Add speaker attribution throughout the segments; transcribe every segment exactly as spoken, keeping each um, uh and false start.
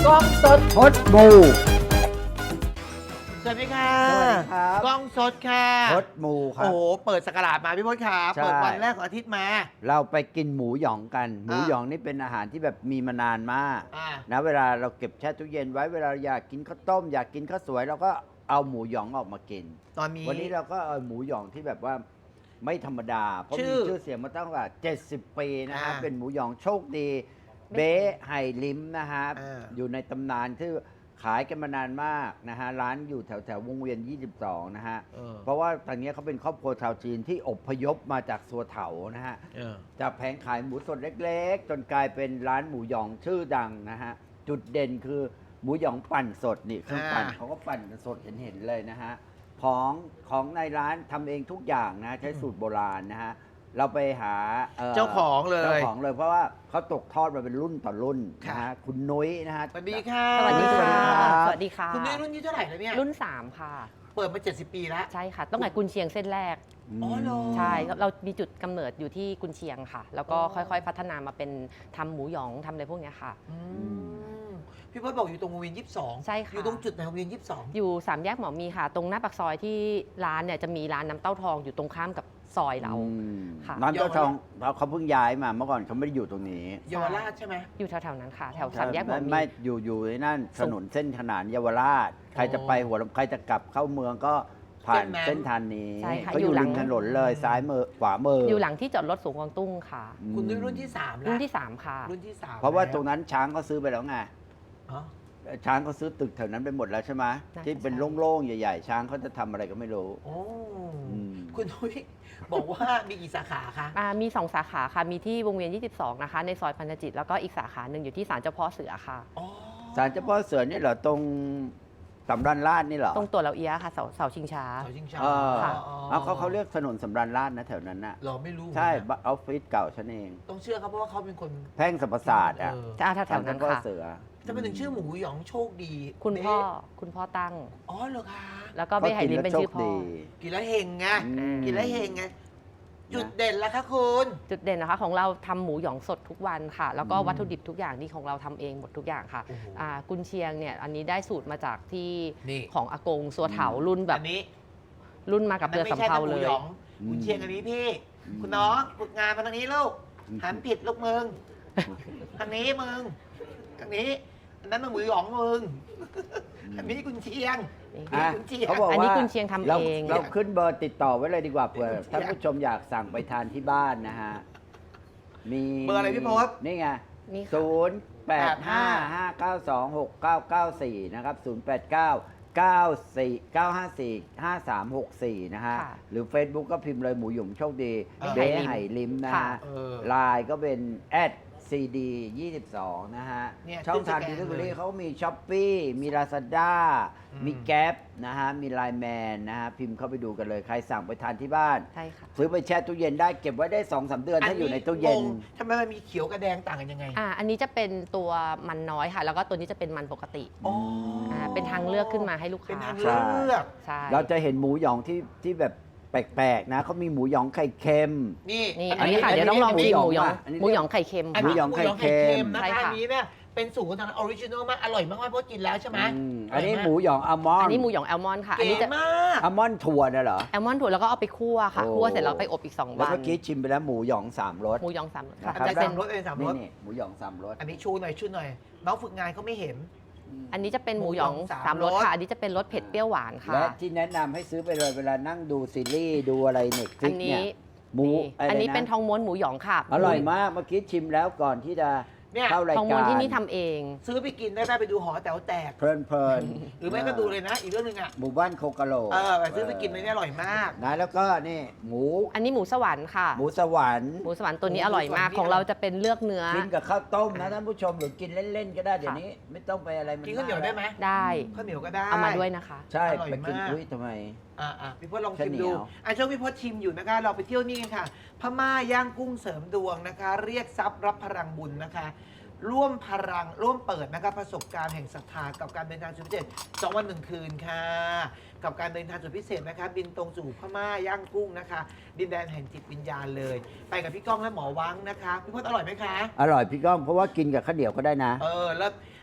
Speaker 1: กล้องสด
Speaker 2: พดบู
Speaker 1: สวัสดีค่ะ
Speaker 2: สวัสดีครับ
Speaker 1: กล้องสดค่ะ
Speaker 2: พดมูครั
Speaker 1: โอ้
Speaker 2: บ
Speaker 1: โหเปิดสกราดมาพี่พจน์ครับ
Speaker 2: ใช่
Speaker 1: เปิดวันแรกของอาทิตย์มา
Speaker 2: เราไปกินหมูหยองกัน หมู
Speaker 1: อ่ะ
Speaker 2: หยองนี่เป็นอาหารที่แบบมีมานานมาก
Speaker 1: อ่า
Speaker 2: นะเวลาเราเก็บแช่ตู้เย็นไว้เวลาอยากกินข้าวต้มอยากกินข้าวสวยเราก็เอาหมูหยองออกมากิน
Speaker 1: ตอนนี้
Speaker 2: วันนี้เราก็เอาหมูหยองที่แบบว่าไม่ธรรมดา เพราะ
Speaker 1: ชื่
Speaker 2: มี
Speaker 1: อ
Speaker 2: ชื่อเสียงมาตั้งแต่เจ็ดสิบปีนะฮะ
Speaker 1: อ่า
Speaker 2: เป็นหมูหยองโชคดี เบ๊ไห่ลิมนะฮะ
Speaker 1: อ่า
Speaker 2: อยู่ในตำนานที่ขายกันมานานมากนะฮะร้านอยู่แถวแถววงเวียนยี่สิบสองนะฮะ
Speaker 1: เออ
Speaker 2: เพราะว่าทางนี้เขาเป็นครอบครัวชาวจีนที่อพยพมาจากสัวเถานะฮะ
Speaker 1: เออ
Speaker 2: จากแผงขายหมูสดเล็กๆ จนกลายเป็นร้านหมูหยองชื่อดังนะฮะ จุดเด่นคือหมูหยองปั่นสดนี่เครื่องปั่น
Speaker 1: อ่า
Speaker 2: เขาก็ปั่นสดเห็นๆเลยนะฮะ ของของในร้านทำเองทุกอย่างนะใช้สูตรโบราณนะฮะ เราไปหาอ่อ
Speaker 1: เจ้าของเลย
Speaker 2: เจ้าของเลยเพราะว่าเขาตกทอดมาเป็นรุ่นต่อรุ่นนะ
Speaker 1: ค่ะ
Speaker 2: ฮะคุณนุ้ยนะฮะ
Speaker 1: สวัสดีค่ะ
Speaker 3: สวัสดีค่ะ
Speaker 2: รับ
Speaker 3: สวัสดีค่ะ
Speaker 1: คุณนี่รุ่นที่เท่าไหร่แล้วเนี่ย
Speaker 3: รุ่น สาม ค่ะ
Speaker 1: เปิดมาเจ็ดสิบปีแล้ว
Speaker 3: ใช่ค่ะ ต้องไหนกุนเชียงเส้นแรก
Speaker 1: อ๋อเหรอ
Speaker 3: ใช่ เรามีจุดกำเนิดอยู่ที่กุนเชียงค่ะ แล้วก็
Speaker 1: อ๋อ
Speaker 3: ค่อยๆ พัฒนามาเป็นทำหมูหยองทำอะไรพวกเนี้ยค่ะ
Speaker 1: อืมพี่พจน์บอกอยู่ตรงวงเวียนยี่สิบสอง
Speaker 3: ใช่ค่ะ
Speaker 1: อยู่ตรงจุดไหนวงเวียนยี่สิบสอง
Speaker 3: อยู่สามแยกหมอมีค่ะ ตรงหน้าปากซอยที่ร้านเนี่ยจะมีร้านน้ำเต้าทองอยู่ตรงข้ามกับซอยเรา
Speaker 2: อืม
Speaker 3: ค่ะ
Speaker 2: น้ำเจ้าทองเขาเขาเพิ่งย้ายมาเมื่อก่อนเขาไม่ได้อยู่ตรงนี้
Speaker 1: เยาวราชใช่ไหม
Speaker 3: อยู่แถวๆนั้นค่ะ แถวสามแยกหมอ
Speaker 2: ไม่
Speaker 3: มี
Speaker 2: ไม่อยู่อยู่ในนั่นถนนเส้นขนานเยาวราช ใครจะไปหัวลำใครจะกลับเข้าเมืองก็ผ่าน
Speaker 1: เส้นนั้น
Speaker 2: เส้นทางนี้
Speaker 3: ใช่ค่ะ
Speaker 2: เขา
Speaker 3: อ
Speaker 2: อยู่ ยู่
Speaker 3: หลั
Speaker 2: ริ
Speaker 3: ง
Speaker 2: มถนนเลยซ้ายมือขวามือ
Speaker 3: อ
Speaker 2: อยู่
Speaker 3: หลังที่จอดรถสูงกวางตุ้งค่ะ
Speaker 1: คุณนี่รุ่นที่สามแล้ว
Speaker 3: รุ่นที่สามค่ะ
Speaker 1: รุ่นที่สาม
Speaker 2: เพราะว่า
Speaker 1: แล้
Speaker 2: ตรงนั้นช้างเขาซื้อไปแล้วไง
Speaker 1: อ๋อ
Speaker 2: ช้างเขาซื้อตึกแถวนั้นไปหมดแล้วใช่ไหม
Speaker 3: น่าจะ
Speaker 2: ที่เป็น
Speaker 3: ใช่
Speaker 2: โล่งๆใหญ่ๆช้างเขาจะทำอะไรก็ไม่รู้
Speaker 1: โอ้
Speaker 2: อืม
Speaker 1: คุณนุ้ยบอกว่ามีกี่สาขาคะ
Speaker 3: อ่ามีสองสาขาค่ะ มีที่วงเวียน ยี่สิบสอง นะคะ ในซอยพันธจิต แล้วก็อีกสาขาหนึ่งอยู่ที่ศาลเจ้าพ่อเสือค่ะ
Speaker 1: อ๋อ
Speaker 2: ศาลเจ้าพ่อเสือนี่เหรอตรงสำรันลาดนี่เหรอ
Speaker 3: ตรงตัวเราเอียะค่ะ เสาเสาชิงช้า
Speaker 1: เสาชิงช้า
Speaker 2: เออ
Speaker 3: ค่ะ
Speaker 2: เอาเขาเขาเรียกถนนสำรันลาดนะแถวนั้นน่ะ
Speaker 1: เราไม่รู้
Speaker 2: ใช่
Speaker 1: เหมือนกัน
Speaker 2: ออฟฟิศเก่าฉันเอง
Speaker 1: ต้องเชื่อครับเพราะว่าเขาเป็นคน
Speaker 2: แพ่งสรรพศาสตร์อ่ะ
Speaker 1: เออ
Speaker 3: จะอาแถวๆนั้น
Speaker 2: ศาลเจ้าพ่อ
Speaker 3: ค่ะ
Speaker 2: เสือ
Speaker 1: จะเป็นถึงชื่อหมูหยองโชคดี
Speaker 3: คุณพ่อ
Speaker 1: เบ๊
Speaker 3: คุณพ่อตั้ง
Speaker 1: อ๋อเหรอคะ
Speaker 3: แล้วก็เบ้ไหลินเป็นชื่อพ่อ
Speaker 1: กินแล้วเฮงไง
Speaker 2: อืม
Speaker 1: กินแล้วเฮงไงจุดเด่นแล้วคะคุณ
Speaker 3: จุดเด่นนะคะของเราทำหมูหยองสดทุกวันค่ะ แล้วก็
Speaker 2: อืม
Speaker 3: วัตถุดิบทุกอย่างที่ของเราทำเองหมดทุกอย่างค่ะ
Speaker 1: โอ้โห
Speaker 3: อ่ากุนเชียงเนี่ยอันนี้ได้สูตรมาจากที่
Speaker 1: นี่
Speaker 3: ของอากงสัวเถารุ่นแบบ
Speaker 1: อันนี้
Speaker 3: รุ่นมากับ
Speaker 1: นั่
Speaker 3: เรื
Speaker 1: น
Speaker 3: อ
Speaker 1: ไม่
Speaker 3: สำ
Speaker 1: ใช่
Speaker 3: เภา
Speaker 1: นะห
Speaker 3: เล
Speaker 1: มู
Speaker 3: ย
Speaker 1: หยองคุณเชียงอันนี้พี่ คุณน้องฝึกงานมาทางนี้ลูกหันผิดลูกมึงทางนี้มึงทางนี้อันนั้นมันหมูหยองมึงอันนี้คุณเชียง
Speaker 2: อ่ะ
Speaker 1: คุณเชียง
Speaker 2: เขาบอก
Speaker 3: อันนี้
Speaker 2: ว่า
Speaker 3: กุนเชียงทำ
Speaker 2: เรา
Speaker 3: เอง
Speaker 2: เราขึ้นเบอร์ติดต่อไว้เลยดีกว่าเผื่อ
Speaker 1: กุนเชียง
Speaker 2: ท่านผู้ชมอยากสั่งไปทานที่บ้านนะฮะ มี
Speaker 1: เบอร์อะไรพี่พศ
Speaker 2: นี่ไง
Speaker 3: นี่ค่ะ
Speaker 2: ศูนย์แปดห้าห้าเก้าสองหกเก้าเก้าสี่นะครับศูนย์แปดเก้าเก้าสี่เก้าห้าสี่ห้าสามหกสี่นะฮะ
Speaker 3: ค่ะ
Speaker 2: หรือ Facebook ก็พิมพ์เลยหมูหยุ่มโชคดี
Speaker 1: เบ๊
Speaker 2: เบ๊
Speaker 3: ไห่
Speaker 2: ไห่
Speaker 3: ลิ
Speaker 2: ลิม
Speaker 3: ม
Speaker 2: นะ
Speaker 3: ค่ะ
Speaker 2: ฮะ
Speaker 1: เออ
Speaker 2: ไลน์ก็เป็น แอท ซี ดี ยี่สิบสอง นะฮะ
Speaker 1: เนี่ย
Speaker 2: ช่องทาง
Speaker 1: ขึ้
Speaker 2: ดิ
Speaker 1: นสแกน
Speaker 2: ลิเวอรี่
Speaker 1: เลย
Speaker 2: เขามีช้อปปี้มี Lazada
Speaker 1: อืม
Speaker 2: มีแก๊ปนะฮะ มีไลน์แมนนะฮะ พิมพ์เข้าไปดูกันเลย ใครสั่งไปทานที่บ้าน
Speaker 3: ใช่ค่ะ
Speaker 2: ซื้อไปแช่ตู้เย็นได้เก็บไว้ได้สองสามเดือนถ้าอยู่ในตู้เย็น
Speaker 1: งงทำไมมันมีเขียวกับแดงต่างกันยังไง
Speaker 3: อ่าอันนี้จะเป็นตัวมันน้อยค่ะ แล้วก็ตัวนี้จะเป็นมันปกติ
Speaker 1: อ๋อ
Speaker 3: อ่าเป็นทางเลือกขึ้นมาให้ลูก
Speaker 1: เป็น
Speaker 3: ค้า
Speaker 1: ทางเลือก
Speaker 3: ใช่
Speaker 2: เราจะเห็นหมูหยองที่ที่แบบแปลกๆนะเขามีหมูหยองไข่เค็ม
Speaker 1: นี่
Speaker 3: นี่อันนี้ค่ะ
Speaker 2: อันนี้
Speaker 3: เดี๋ยวต้องลองชิมหมูหยอง
Speaker 2: อันนี้
Speaker 3: หมูหยองไข่เค็ม
Speaker 1: อัน
Speaker 2: หมู
Speaker 1: นี้
Speaker 2: หยองไข่เค็ม
Speaker 1: นะ
Speaker 3: ใช่
Speaker 1: คะ
Speaker 3: ค่ะ
Speaker 1: อันนี้เนี่ยเป็นสูตรของทางออริจินอลมากอร่อยมากๆเพราะกินแล้วใช่ไหม
Speaker 2: อืมอันนี้หมูหยองอัลมอน
Speaker 3: อัน
Speaker 2: ด์
Speaker 3: นี้หมูหยองแอลมอนด์ค่ะ อัน
Speaker 1: เก๋
Speaker 3: นี้จะ
Speaker 1: มาก
Speaker 2: อัลมอนด์ถั่วน่ะเหรอ
Speaker 3: แอลมอนด์ถั่วแล้วก็เอาไปคั่วค่ะ
Speaker 2: โอ้
Speaker 3: คั่วเสร็จแล้วไปอบอีกสอง
Speaker 2: แล้ว
Speaker 3: วัน
Speaker 2: เมื่อกี้ชิมไปแล้วหมูหยองสามรส
Speaker 3: หมูหยองสามรสค่ะ
Speaker 2: นะครับ
Speaker 3: จะ
Speaker 1: เป็
Speaker 3: เป็น น
Speaker 1: รสเป็นสามร
Speaker 2: นี่
Speaker 1: ส
Speaker 2: นี่หมูหยองสามรส
Speaker 1: อันนี้ชูหน่อยชูหน่อยน้องฝึกงานเขาไม่เห็น
Speaker 3: อันนี้จะเป็นหมูหยอง
Speaker 1: หมูหยองสาม
Speaker 3: สามรส
Speaker 1: รส
Speaker 3: ค่ะ อันนี้จะเป็นรสเผ็ดเปรี้ยวหวานค่ะ
Speaker 2: และที่แนะนำให้ซื้อไปเลยเวลานั่งดูซีรีส์ดูอะไรเน็ตฟลิ
Speaker 3: อั
Speaker 2: ก
Speaker 3: น
Speaker 2: เนี่
Speaker 3: นี้
Speaker 2: ยหมู
Speaker 3: นี่
Speaker 2: อะไร
Speaker 3: อันนี้
Speaker 2: ะ
Speaker 3: เป็นทองม้วนหมูหยองค่ะ
Speaker 2: อร่อยมากเมื่อกี้ชิมแล้วก่อนที่จะ
Speaker 1: เนี่ย
Speaker 2: เข้าราย
Speaker 3: ทอง
Speaker 2: กา
Speaker 3: ม้วน
Speaker 2: ร
Speaker 3: ที่นี่ทำเอง
Speaker 1: ซื้อไปกินได้ไหมไปดูหอแต๋วแตก
Speaker 2: เพลินเพลิน
Speaker 1: หรือไม่ก็ดูเลยนะ อีกเรื่องหนึงอ่ะ
Speaker 2: หมู่บ้านโคกะโหลก
Speaker 1: เออไปซื้อไปกินเลยเนี่ยอร่อยมาก
Speaker 2: นะแล้วก็นี่หมู
Speaker 3: อันนี้หมูสวรรค์ค่ะ
Speaker 2: หมูสวรรค์
Speaker 3: หมูสวรรค์ตัวนี้
Speaker 1: หมู
Speaker 3: อร่อยมาก
Speaker 1: สวรรค์
Speaker 3: ของเราจะเป็นเลือกเนื้อ
Speaker 2: กินกับข้าวต้มนะท่านผู้ชมหรือกินเล่นๆก็ได้เดี๋ยวนี้ ไม่ต้องไปอะไรมัน
Speaker 1: กินข้าวเหนียวได้ไหม
Speaker 3: ได้
Speaker 1: ข้าวเหนียวก็ได้
Speaker 3: เอามาด้วยนะคะ
Speaker 2: ใช่
Speaker 1: อร่อย
Speaker 2: ไปกิน
Speaker 1: มาก
Speaker 2: อุ้ยทำไม
Speaker 1: อ่าอ่ะพี่พจน์ลอง
Speaker 2: ข้าว
Speaker 1: ชิม
Speaker 2: เหนี
Speaker 1: ดู
Speaker 2: ยว
Speaker 1: อ่ะช่วงพี่พจน์ชิมอยู่นะคะ เราไปเที่ยวนี่กันค่ะ พม่าย่างกุ้งเสริมดวงนะคะ เรียกทรัพย์รับพลังบุญนะคะ ร่วมพลังร่วมเปิดนะคะประสบการณ์แห่งศรัทธากับการเดินทางสุดพิเศษสองวันหนึ่งคืนค่ะ กับการเดินทางสุดพิเศษนะคะ บินตรงสู่พม่าย่างกุ้งนะคะ ดินแดนแห่งจิตวิญญาณเลย ไปกับพี่ก้องและหมอวังนะคะพี่พจน์อร่อยไหมคะ
Speaker 2: อร่อยพี่ก้องเพราะว่ากินกับข้าวเหนียวก็ได้นะ
Speaker 1: เออแล้ว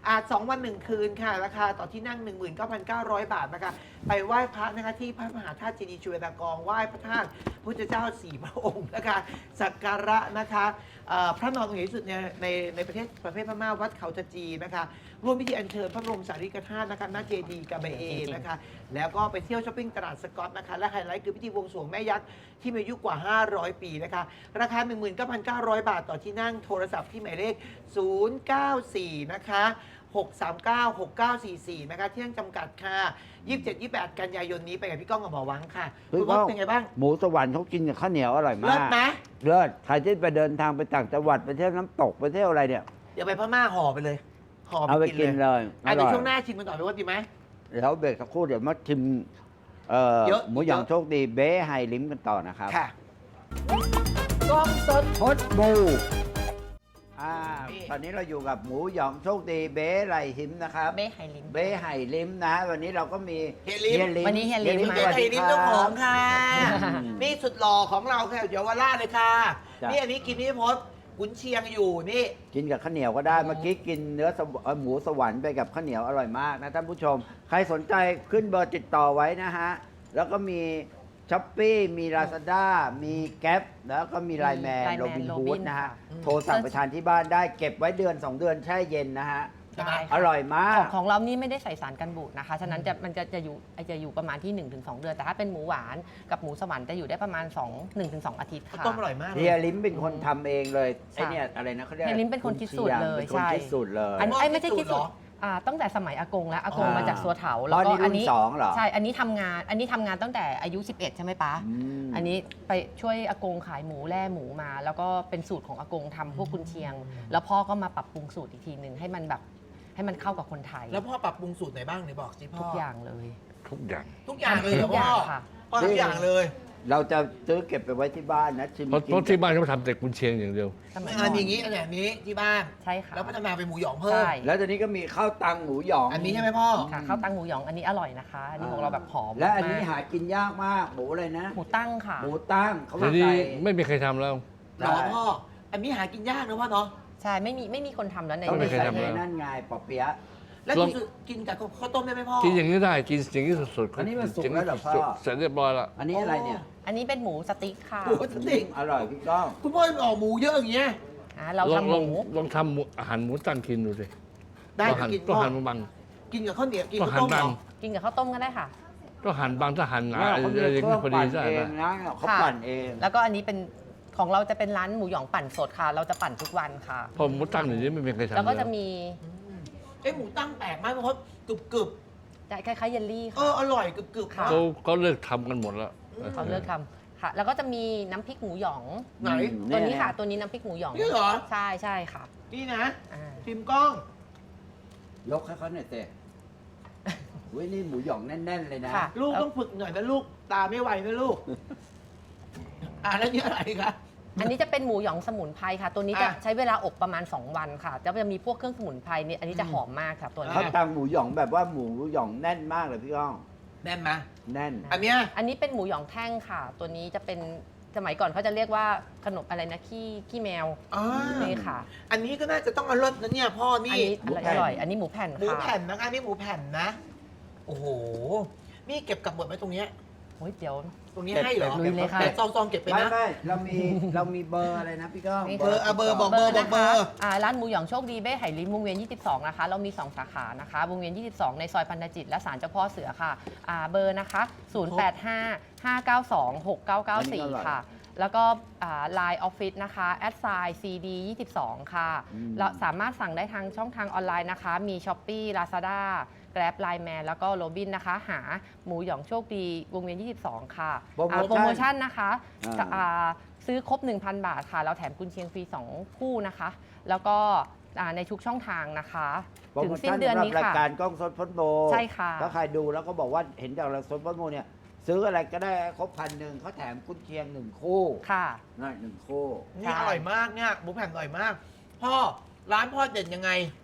Speaker 1: อาจสองวันหนึ่งคืนค่ะ ราคาต่อที่นั่ง หนึ่งหมื่นเก้าพันเก้าร้อย บาทนะคะ ไปไหว้พระนะคะที่พระมหาธาตุเจดีย์จุฬาลงกรณ์ไหว้พระธาตุพุทธเจ้าสี่พระองค์นะคะสักการะนะคะเอ่อพระนอนองค์ใหญ่ที่สุดในในในประเทศประเทศพม่าวัดเขาตะจีนะคะร่วมพิธีอัญเชิญพระบรมสารีริกธาตุนะคะณเจดีย์กาเบเอนะคะ แล้วก็ไปเที่ยวช้อปปิ้งตลาดสกอตนะคะ และไฮไลท์คือพิธีบวงสรวงแม่ยักษ์ที่มีอายุกว่า ห้าร้อย ปีนะคะ ราคา หนึ่งหมื่นเก้าพันเก้าร้อย บาทต่อที่นั่งโทรศัพท์ที่หมายเลข ศูนย์ เก้า สี่ นะคะหก สาม เก้า หก เก้า สี่ สี่ นะคะที่นั่งจำกัดค่ะ ยี่สิบเจ็ด ยี่สิบแปด กันยายนนี้ไปกับพี่ก้องกับหมอหวังค่ะ
Speaker 2: พี่
Speaker 1: คุณ
Speaker 2: ก้
Speaker 1: พ่
Speaker 2: อง
Speaker 1: เป็นไงบ้าง
Speaker 2: หมูสวรรค์เขากินกับข้าวเหนียวอร่อยมา
Speaker 1: เลิศ
Speaker 2: ก
Speaker 1: ไหม
Speaker 2: เลิศใครที่ไปเดินทางไปต่างจังหวัดไปเที่ยวน้ำตกไปเที่ยวอะไรเนี่ย
Speaker 1: เดี๋ยวไปพม่าห่อไปเลยห่อ
Speaker 2: เอา
Speaker 1: ไป
Speaker 2: ไป
Speaker 1: กิ
Speaker 2: กิ
Speaker 1: น
Speaker 2: น
Speaker 1: เลย
Speaker 2: เลยอ
Speaker 1: อ่ะเดี๋
Speaker 2: ร่
Speaker 1: ยว
Speaker 2: อย
Speaker 1: ช่วงหน้าชิมกันต่อไปว่าดีไหม
Speaker 2: เดี๋ยวเบรกสักครู่เดี๋ยวมาชิมเอ่อ
Speaker 1: เยอะ
Speaker 2: หมูหยอง
Speaker 1: เยอะ
Speaker 2: โชคดีเบ๊ไฮลิมกันต่อนะครับ
Speaker 1: ค่ะกล้องสด
Speaker 2: พดบูอ่า
Speaker 1: นี่
Speaker 2: ตอนนี้เราอยู่กับหมูหยองโชคดีเบ๊ไรหิมนะครับ
Speaker 3: เบ้ไฮลิม
Speaker 2: เบ้ไห่ลิมนะ วันนี้เราก็มี
Speaker 1: เฮียลิม
Speaker 3: วันนี้เฮียลิม
Speaker 1: เฮีย
Speaker 3: มา
Speaker 1: ไอ้ลิ้นเจ้าของค่ะ
Speaker 2: อืม
Speaker 1: นี่สุดหล่อของเราค่ะเยาวราชเลยค่ะ
Speaker 2: จ้ะ
Speaker 1: นี่อันนี้กินพี่พศกุนเชียงอยู่นี่
Speaker 2: กินกับข้าวเหนียวก็ได้ เมื่อกี้กินเนื้อสวเอ่อหมูสวรรค์ไปกับข้าวเหนียวอร่อยมากนะท่านผู้ชม ใครสนใจขึ้นเบอร์ติดต่อไว้นะฮะ แล้วก็มีช้อปปี้มีลาซาด้ามีแก๊ปแล้วก็มีไลแมน
Speaker 3: Line Man
Speaker 2: โรบินฮูด
Speaker 3: Robin
Speaker 2: นะฮะ
Speaker 3: ค่ะ
Speaker 2: โทรสั่งไปทานที่บ้านได้เก็บไว้เดือน สอง เดือนแช่เย็นนะฮะ
Speaker 3: ได้
Speaker 2: อ
Speaker 3: ค่ะ
Speaker 2: ร่อยมาก
Speaker 3: ของของเรานี่ไม่ได้ใส่สารกันบูดนะคะ ฉะนั้นจะมันจะจะอยู่จะอยู่ประมาณที่ หนึ่งถึงสอง เดือน แต่ถ้าเป็นหมูหวานกับหมูสวรรค์จะอยู่ได้ประมาณ2 1ถึงสองอาทิตย์ค่ะ
Speaker 1: ต้มอร่อยมากเล
Speaker 2: เฮีย
Speaker 1: ย
Speaker 2: ลิมเป็นคนทำเองเลย
Speaker 3: ใช่
Speaker 2: ไอเนี่ยอะไรนะเขาเรียก
Speaker 3: เฮียลิมเป็นคนคิดสูตรเลย
Speaker 2: เป็นคน
Speaker 3: ใช่
Speaker 2: คิดสูตรเลย
Speaker 3: อัน
Speaker 1: พ่อ
Speaker 3: ไอ้ยไม่ใช่
Speaker 1: คิ
Speaker 3: คิ
Speaker 1: ด
Speaker 3: ด
Speaker 1: สู
Speaker 3: สู
Speaker 1: ต
Speaker 3: ต
Speaker 1: ร
Speaker 3: ร
Speaker 1: เหรอ
Speaker 3: อ่าตั้งแต่สมัยอากงแล้วอากง
Speaker 2: อ่าม
Speaker 3: มาจากสัวเถา
Speaker 2: อ๋
Speaker 3: แล้
Speaker 2: อ
Speaker 3: วก็
Speaker 2: นี่
Speaker 3: อั
Speaker 2: รุ่
Speaker 3: น
Speaker 2: น
Speaker 3: นี้
Speaker 2: สองเหรอ
Speaker 3: ใช่อันนี้ทำงานอันนี้ทำงานตั้งแต่อายุ สิบเอ็ด ใช่ไหมป๊า
Speaker 2: อืม
Speaker 3: อันนี้ไปช่วยอากงขายหมูแล่หมูมา แล้วก็เป็นสูตรของอากงทำพวกกุนเชียง แล้วพ่อก็มาปรับปรุงสูตรอีกทีหนึ่งให้มันแบบให้มันเข้ากับคนไทย
Speaker 1: แล้วพ่อปรับปรุงสูตรไหนบ้างไหนบอกสิพ่อ
Speaker 3: ทุกอย่างเลย
Speaker 4: ทุกอย่าง
Speaker 1: ทุกอย่างเลยเหรอ
Speaker 3: ทุกอ
Speaker 1: พ่อย่าง
Speaker 3: ค่ะ
Speaker 1: พ่อทุกอย่างเลย
Speaker 2: เราจะซื้อเก็บไปไว้ที่บ้านนะชิม
Speaker 4: เพราะ
Speaker 2: กิน
Speaker 4: เพราะที่บ้านเขาทำแต่กุนเชียงอย่างเดียว
Speaker 3: สมัย
Speaker 1: งา
Speaker 3: ก่อน น
Speaker 1: อย่างนี้อันแบบนี้ที่บ้าน
Speaker 3: ใช่ค่ะ
Speaker 1: แล้วพัฒนาเป็นหมูหยองเพิ่ม
Speaker 3: ใช่
Speaker 2: แล้วตอนนี้ก็มีข้าวตังหมูหยอง
Speaker 1: อันนี้ใช่ไหมพ่อ
Speaker 3: ค่ะข้าวตังหมูหยองอันนี้อร่อยนะคะ อันนี้ของเราแบบหอม
Speaker 2: และอันนี้
Speaker 3: มก
Speaker 2: หากินยากมากหมูอะไรนะ
Speaker 3: หมูตั้งค่ะ
Speaker 2: หมูตั้งเขา
Speaker 4: ที
Speaker 2: มา
Speaker 4: นี้
Speaker 2: ใส่
Speaker 4: ไม่มีใครทำแล้ว
Speaker 1: เหรอพ่อ อันนี้หากินยากนะพ่อเนาะ
Speaker 3: ใช่ไม่มีไม่มีคนทำแล้วใน
Speaker 2: ต้อง
Speaker 3: ใน
Speaker 2: ไป
Speaker 4: เคย
Speaker 2: ใส่
Speaker 4: ทำ
Speaker 2: ใน
Speaker 4: แล้ว
Speaker 2: นั่นไงปอเปี๊ยะ
Speaker 1: แล้ว
Speaker 4: ลอง
Speaker 1: กินกินกับข้าวต้มได้ไหมพ่อ
Speaker 4: กินอย่างนี้ได้กินอย่างนี้สดๆ
Speaker 2: อันนี้มันสุกแล้วเหรอพ่อ
Speaker 4: สุกเสร็จเรียบร้อยแล้ว
Speaker 2: อันนี้อะไรเนี่ย
Speaker 3: อันนี้เป็นหมูสติ๊กค่ะ
Speaker 1: หมูสติ๊ก
Speaker 2: อร่อยพี่ก้อง
Speaker 1: คุณพ่อออกหมูเยอะอย่างเงี้ย
Speaker 3: อ่าเรา
Speaker 4: ลอง
Speaker 3: ทำห
Speaker 4: ลอง
Speaker 3: มู
Speaker 4: ลองทำหมูอาหารหมูตั้งกินดูสิ
Speaker 1: ได้
Speaker 4: ต้องหั่น
Speaker 1: กิน
Speaker 4: ต้อง
Speaker 1: พ่อ
Speaker 4: หั่นบาง
Speaker 1: กินกับข้าวเหนียวกิน
Speaker 4: ต้อง
Speaker 1: ข้าว
Speaker 4: หั่น
Speaker 1: ต้มเหร
Speaker 4: บาง
Speaker 1: อ
Speaker 3: กินกับข้าวต้มก็ได้ค่ะ
Speaker 4: ต้องหั่นบางถ้าหั่นหนา
Speaker 2: แล้ว
Speaker 4: อะไร
Speaker 2: เขามี
Speaker 4: อย่าง
Speaker 2: เค
Speaker 4: นี้
Speaker 2: รื่อง
Speaker 4: พอดี
Speaker 2: ปั่น
Speaker 4: ได้
Speaker 2: เอง
Speaker 4: นะ
Speaker 2: นะเขา
Speaker 3: ค่ะ
Speaker 2: ปั่นเอง
Speaker 3: แล้วก็อันนี้เป็นของเราจะเป็นร้านหมูหยองปั่นสดค่ะ เราจะปั่นทุกวันค่ะ
Speaker 4: พอหมูตั้งอย่างนี้ไม่มีใครทำ
Speaker 3: แล้วก็จะ
Speaker 4: แล้ว
Speaker 3: มี
Speaker 1: อืมเอ้หมูตั้งแปลกมากเพราะกรึบกรึบ
Speaker 3: คล้ายๆเยลลี่
Speaker 1: ๆเอ
Speaker 3: ค่ะ
Speaker 1: ออร่อยกรึบกรึบ
Speaker 3: ค่ะ
Speaker 4: เขาเขาเลิกทำกันหมดแล้ว
Speaker 3: เขาเลิกทำค่ะ แล้วก็จะมีน้ำพริกหมูหยอง
Speaker 1: ไหน
Speaker 3: ตัวนี้ค่ะ ตัวนี้น้ำพริกหมูหยอง
Speaker 1: นี่เหรอ
Speaker 3: ใช่ใช่ค่ะ
Speaker 1: นี่นะ
Speaker 3: อ่า
Speaker 1: พิมพ์กล้อง
Speaker 2: ยกให้เขาหน่อยเตะเว้ยนี่หมูหยองแน่น ๆ เลยนะ
Speaker 3: ค่ะ
Speaker 1: ลูกต้องฝึกหน่อยนะลูกตาไม่ไหวนะลูก อ่าแล้วนี่อะไรคะ
Speaker 3: อันนี้จะเป็นหมูหยองสมุนไพรค่ะ ตัวนี้จะ
Speaker 1: อ่ะ
Speaker 3: ใช้เวลาอบประมาณ สอง วันค่ะจะจะมีพวกเครื่องสมุนไพรเนี่ยอันนี้จะหอมมากค่ะตัวนี้
Speaker 2: ข้าวตังหมูหยองแบบว่าหมูหยองแน่นมากเลยพี่ก้อง
Speaker 1: แน่นไหม
Speaker 2: แน่น
Speaker 1: อันเนี้ย
Speaker 3: อันนี้เป็นหมูหยองแท่งค่ะ ตัวนี้จะเป็นสมัยก่อนเขาจะเรียกว่าขนมอะไรนะขี้ขี้แมว
Speaker 1: อ่า
Speaker 3: นี่ค่ะ
Speaker 1: อันนี้ก็น่าจะต้องอร่อยนะเนี่ยพ่อ
Speaker 3: อัน
Speaker 1: นี่
Speaker 3: นี้
Speaker 2: หมู
Speaker 3: อ
Speaker 2: แผ่น
Speaker 3: ร่อย อันนี้หมูแผ่น
Speaker 1: หมู
Speaker 3: ค่ะ
Speaker 1: แผ่นนะคะนี่หมูแผ่นนะ โอ้โห นี่เก็บกลับหมดไหมตรงเนี้ย
Speaker 3: โอ้ยเดี๋ยว
Speaker 1: ตรงนี้
Speaker 2: เก็บ
Speaker 1: ให้เหรอ
Speaker 3: ลุยเลยค่ะ
Speaker 1: แต่ซองซองๆเก็บไป
Speaker 2: ไม่
Speaker 1: นะ
Speaker 2: ไม่เรามีเรามีเบอร์อะไรนะพี่ก้อง
Speaker 3: นี่
Speaker 1: เบอร์อ่ะเบอร์บอก เบร์
Speaker 3: นะ
Speaker 1: เบอ
Speaker 3: คะ
Speaker 1: ร์
Speaker 3: อ่าร้านหมูหยองโชคดีเบ้ไหลิมวงเวียน ยี่สิบสอง นะคะ เรามี สอง สาขานะคะ วงเวียน ยี่สิบสอง ในซอยพันธจิต และศาลเจ้าพ่อเสือค่ะอ่าเบอร์นะคะ ศูนย์ แปด ห้า ห้า เก้า สอง หก เก้า เก้า สี่ ค่ะ แล้วก็ไลน์ออฟฟิศนะคะ แอดไซน์ ซี ดี ยี่สิบสอง ค่ะ
Speaker 2: อืม
Speaker 3: เราสามารถสั่งได้ทางช่องทางออนไลน์นะคะ มี Shopee Lazada Grab Line Man แล้วก็ Robin นะคะ หาหมูหยองโชคดีวงเวียน ยี่สิบสอง ค่ะ
Speaker 2: โปรโมชั่น
Speaker 3: อ่าโปรโมชั่นนะคะ
Speaker 2: อ่า
Speaker 3: อ่าซื้อครบ หนึ่งพัน บาทค่ะ เราแถมกุนเชียงฟรี สอง คู่นะคะ แล้วก็อ่าในทุกช่องทางนะคะ
Speaker 2: โปร
Speaker 3: ถึ
Speaker 2: โม
Speaker 3: งสิ้น
Speaker 2: ชั่น
Speaker 3: เดือน
Speaker 2: สำหรับ
Speaker 3: นี้
Speaker 2: ราย
Speaker 3: ค่ะ
Speaker 2: การกล้องสดพดโบ
Speaker 3: ใช่ค่ะ
Speaker 2: ถ้าใครดูแล้วก็บอกว่าเห็นจากเราสดพดโบเนี่ย ซื้ออะไรก็ได้ครบพันหนึ่งเขาแถมกุนเชียงหนึ่งคู่
Speaker 3: ค่ะ
Speaker 2: นั่นหนึ่งคู่
Speaker 1: นี่อร่อยมากเนี่ยหมูแผ่นอร่อยมาก พ่อร้านพ่อเด่นยังไง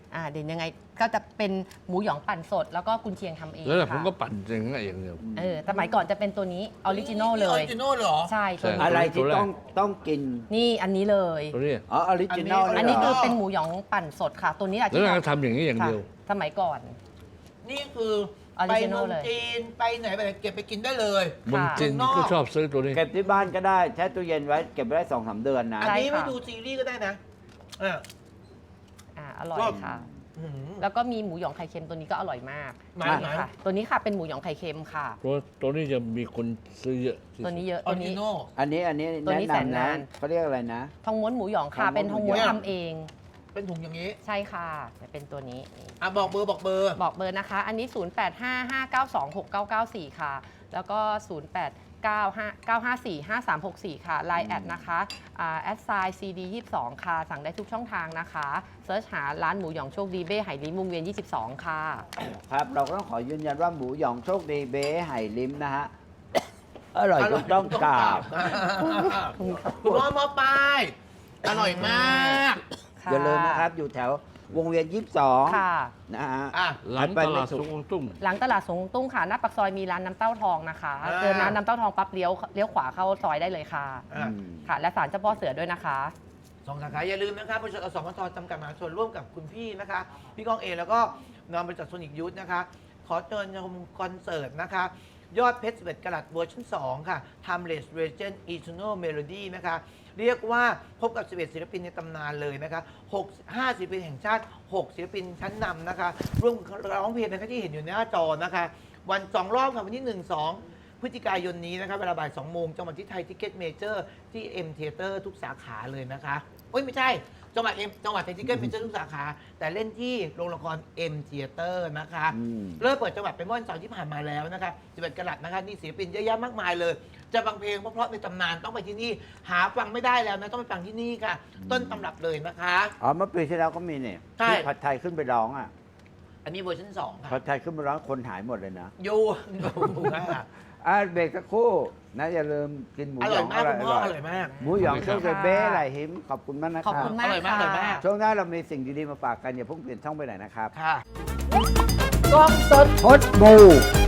Speaker 3: อ่าเด่นยังไงก็จะเป็นหมูหยองปั่นสด แล้วก็กุนเชียงทำเอง
Speaker 4: แล้วแต่ผม
Speaker 3: ค่ะ
Speaker 4: ก็ปั่นเองเองเดียว
Speaker 3: เออสมัยก่อนจะเป็นตัวนี้ออริจินอลเล
Speaker 1: ออย ริจินอลเหรอ
Speaker 3: ใช่ตัว
Speaker 4: ใช่
Speaker 3: นี้
Speaker 2: อะไรที่
Speaker 4: ตัวแรก
Speaker 2: ต้องต้องกิน
Speaker 3: นี่อันนี้เลย
Speaker 4: ตัวนี้
Speaker 2: อ๋อออริจินอล
Speaker 1: อั
Speaker 3: อัน
Speaker 1: นนี้
Speaker 3: นี้
Speaker 2: เหร
Speaker 3: คือเป็นหมูหยองปั่นสดค่ะ ตัวนี้แหละ
Speaker 4: แล้ว
Speaker 3: ที่
Speaker 4: เรา
Speaker 3: เรา
Speaker 4: ทำอย่างนี้อย่างเดียว
Speaker 3: ค่ะสมัยก่อน
Speaker 1: นี่คือ
Speaker 3: ออริ
Speaker 1: ไป
Speaker 3: จิน
Speaker 1: เมื
Speaker 3: อล
Speaker 1: อง
Speaker 3: เลย
Speaker 1: จีนไปไหนไปไหนเก็บไปกินได้เลย
Speaker 4: เมืองจีน
Speaker 1: ค่ะ
Speaker 4: ก็ชอบซื้อตัวนี้
Speaker 2: เก็บที่บ้านก็ได้แช่ตู้เย็นไว้เก็บไว้ได้สองสามเดือนนะ
Speaker 1: อันนี้
Speaker 3: ใช่
Speaker 1: ไม่
Speaker 3: ค่ะ
Speaker 1: ดูซีรีส์ก็ได้นะอ่ะ
Speaker 3: อ่าอร่อย
Speaker 1: ชอบ
Speaker 3: ค่ะ
Speaker 1: อื้อหือ
Speaker 3: แล้วก็มีหมูหยองไข่เค็มตัวนี้ก็อร่อยมาก
Speaker 1: ไหนไหน
Speaker 3: ค่ะ ตัวนี้ค่ะเป็นหมูหยองไข่เค็มค่ะ
Speaker 4: ตัวตัวนี้จะมีคนซื้อเยอะที่สุด
Speaker 3: ตัวนี้เยอะ
Speaker 1: ออ
Speaker 3: ตัว
Speaker 1: ริจิ
Speaker 3: นี้
Speaker 1: นอล
Speaker 2: อันนี้อันนี้
Speaker 3: ตัวนี้
Speaker 2: แนะ
Speaker 3: แสน
Speaker 2: นำนะ
Speaker 3: นาน
Speaker 2: เขาเรียกอะไรนะ
Speaker 3: ทองม้วนหมูหยองค่ะ
Speaker 2: ทองม้วน
Speaker 3: เป็นทองม้วน
Speaker 1: หมูหยอง
Speaker 3: ทำเอง
Speaker 1: เป็นถุงอย่างนี้
Speaker 3: ใช่ค่ะจะเป็นตัวนี้นี่
Speaker 1: อ่ะบอกเบอร์บอกเบอร์
Speaker 3: บอกเบอร์นะคะ อันนี้ ศูนย์ แปด ห้า ห้า เก้า สอง หก เก้า เก้า สี่ ค่ะ แล้วก็ ศูนย์ แปด เก้า ห้า เก้า ห้า สี่ ห้า สาม หก สี่ ค่ะ ไลน์ แอดนะคะแอดไซน์ ซี ดี ยี่สิบสอง ค่ะ สั่งได้ทุกช่องทางนะคะเซิร์ชหาร้านหมูหยองโชคดีเบ้ไหหลิมวงเวียน ยี่สิบสอง ค่ะ
Speaker 2: ครับ เราก็ต้องขอยืนยันว่าหมูหยองโชคดีเบ้ไห่ลิ้มนะฮะ อร่อยจนต้องกราบ
Speaker 1: คุณพ่อมอปลายอร่อยมาก
Speaker 3: ค่ะ
Speaker 2: อย่าลืมนะครับ อยู่แถววงเวียนยี่สิบสอง
Speaker 3: ค่ะ
Speaker 2: นะฮะ
Speaker 1: อ่ะ
Speaker 4: หลัง
Speaker 2: ไป
Speaker 4: ต
Speaker 2: ไม่
Speaker 4: ลาด
Speaker 2: ถูก
Speaker 4: สุขตุ้ม
Speaker 3: หลังตลาดสงตุ้งค่ะ หน้าปากซอยมีร้านน้ำเต้าทองนะคะ
Speaker 1: อ่า
Speaker 3: เจอร้านน้ำเต้าทองปั๊บเลี้ยวเลี้ยวขวาเข้าซอยได้เลยค่ะ
Speaker 1: อ่ะ
Speaker 2: อืม
Speaker 3: ค่ะ และศาลเจ้าพ่อเสือด้วยนะคะ
Speaker 1: สองสาขาอย่าลืมนะครับบริษัทอสมทจำกัดมหาชนร่วมกับคุณพี่นะคะ พี่ก้องเอแล้วก็นำบริษัทโซนิกยูทนะคะ ขอเชิญชมคอนเสิร์ตนะคะ ยอดเพชรสิบเอ็ดกะรัตเวอร์ชันสองค่ะ Timeless Legend Eternal Melody นะคะ เรียกว่าพบกับสิบเอ็ดศิลปินในตำนานเลยนะคะหก ห้าศิลปินแห่งชาติ หกศิลปินชั้นนำนะคะ ร่วมร้องเพลงนะคะที่เห็นอยู่หน้าจอนะคะ วันสองรอบค่ะวันที่หนึ่ง สองพฤศจิกายนนี้นะคะเวลาบ่ายสองโมงจังหวัดที่ไทยทิเก็ตเมเจอร์ที่ M Theater ทุกสาขาเลยนะคะโอ้ยไม่ใช่ จังหวัด M จังหวัดไทยทิเก็ตเมเจอร์ทุกสาขา แต่เล่นที่โรงละคร M Theater นะคะ
Speaker 2: อืม
Speaker 1: เริ่มเปิดจังหวัดไปเมื่อวันเสาร์ที่ผ่านมาแล้วนะคะสิบเอ็ดกะรัตนะคะนี่ศิลปินเยอะแยะมากมายเลย จะฟังเพลงเพราะๆในตำนานต้องไปที่นี่ หาฟังไม่ได้แล้วนะต้องไปฟังที่นี่ค่ะ ต้นตำรับเลยนะคะ
Speaker 2: อ๋อเมื่อปีที่แล้วก็มีเนี่ย
Speaker 1: ใช่
Speaker 2: ที่ผัดไทยขึ้นไปร้องอ่ะ
Speaker 1: อันนี้เวอร์ชันสองค่ะ
Speaker 2: ผัดไทยขึ้นไปร้องคนหายหมดเลยนะ
Speaker 1: อยูอยู่ค่ะ
Speaker 2: อ่ะเบรกสักครู่นะอย่าลืมกินหมู
Speaker 1: อ
Speaker 2: หย
Speaker 1: ร่อ
Speaker 2: อย ง
Speaker 1: มากคุณพ่ออร่อยมาก
Speaker 2: หมูหยอง
Speaker 4: ขอบ
Speaker 2: เค
Speaker 4: คุ
Speaker 2: รื่อง
Speaker 4: ณครับ
Speaker 2: เบ้ไหลหิมขอบคุณมากนะค
Speaker 3: ขอบ
Speaker 2: รับ
Speaker 3: คุณมาก
Speaker 1: อร่อยมาก
Speaker 3: ค่ะ
Speaker 1: อร่อยมาก
Speaker 2: ช่วงหน้าเรามีสิ่งดีๆมาฝากกันอย่าเพิ่งเปลี่ยนช่องไปไหนนะครับ
Speaker 1: ค่ะ
Speaker 2: กล้องสดพดบู